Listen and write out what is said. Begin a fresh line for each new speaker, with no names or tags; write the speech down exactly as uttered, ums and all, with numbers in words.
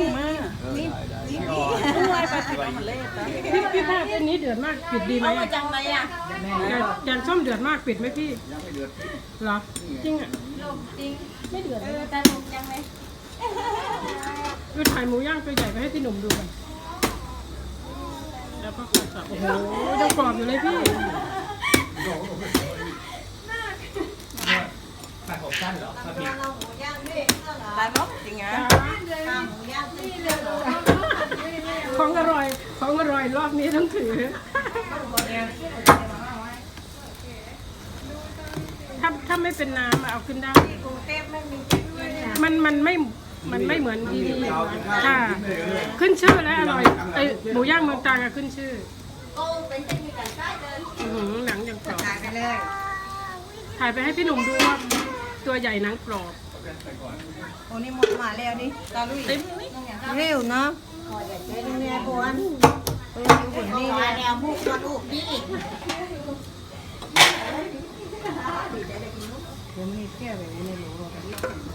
มานี่นี่พี่วายไปติดมาเล่น
พี่พี่ภาพเส้นนี้เดือดมากปิดดีไหม
เอามาจังไหนอ่ะ
แกงแกงส้มเดือดมากปิดไหมพี่
ยังไม่เดือด
เหรอจริงอ่ะ
จริง
ไม่เดือด
เออแต่ลงยังไง
ดูถ่ายหมูย่างตัวใหญ่ไปให้พี่หนุ่มดูกันแล้วก็กดสับโอ้โหยังกรอบอยู่เลยพี่
ตัดผมสั้นเหรอถ้าผิด
ตายมั้งจริงอ่ะ
ของอร่อยของอร่อยรอบนี้ต้องถือถ้าถ้าไม่เป็นน้ำเอาขึ้นได้มันมันไม่มันไม่เหมือนที่นี่ค่ะขึ้นชื่อและอร่อยไอหมูย่างเมืองตรังอะขึ้นชื่ออื้อหือหนังยังกรอบถ่ายไปให้พี่หนุ่มดูว่าตัวใหญ่หนังกรอบ
โอ้นี่หมดมาแล้วนี่ตาลุย
เต็มนี่
เร็วเนาะเนี่ยบวนเอออยู่บนนี่แนวมุกมาลูกนี่ผมนี่แค่แบบนี้ในหลวง